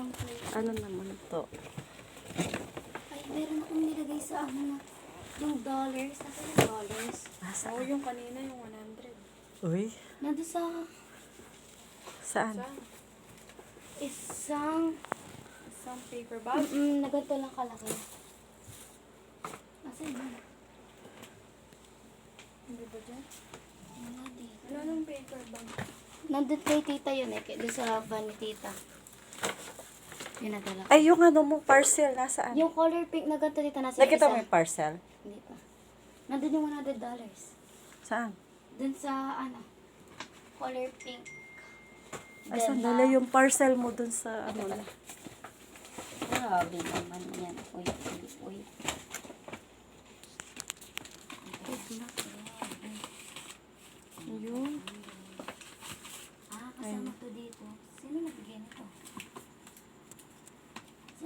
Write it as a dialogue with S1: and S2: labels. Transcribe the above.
S1: isang plate.
S2: Ano naman to?
S1: Ay, meron akong nilagay sa ano. Yung dollars. Nasa yung dollars?
S2: Saan?
S3: Oo, yung kanina, yung 100.
S2: Uy,
S1: Nandun sa
S2: saan?
S3: Saan?
S1: isang...
S3: Isang paper bag.
S1: na ganito lang kalaki. Nasa yun?
S3: Hindi ba dyan?
S1: Wala dito.
S3: Ano nung paper bag?
S1: Nandun kay tita yun eh. Doon sa van ni tita. Yun nadala ko.
S2: Ay, yung ano mo, parcel, nasaan?
S1: Yung color pink na ganito dito nasa
S2: Nakita
S1: isa.
S2: mo yung parcel?
S1: Hindi pa. Nandun yung $100.
S2: Saan?
S1: Dun sa ano. Color pink.
S2: Ay,
S1: Then,
S2: sandali yung parcel mo dun sa ano na.
S1: Grabe naman yan. Uy, uy, uy.
S2: Yun.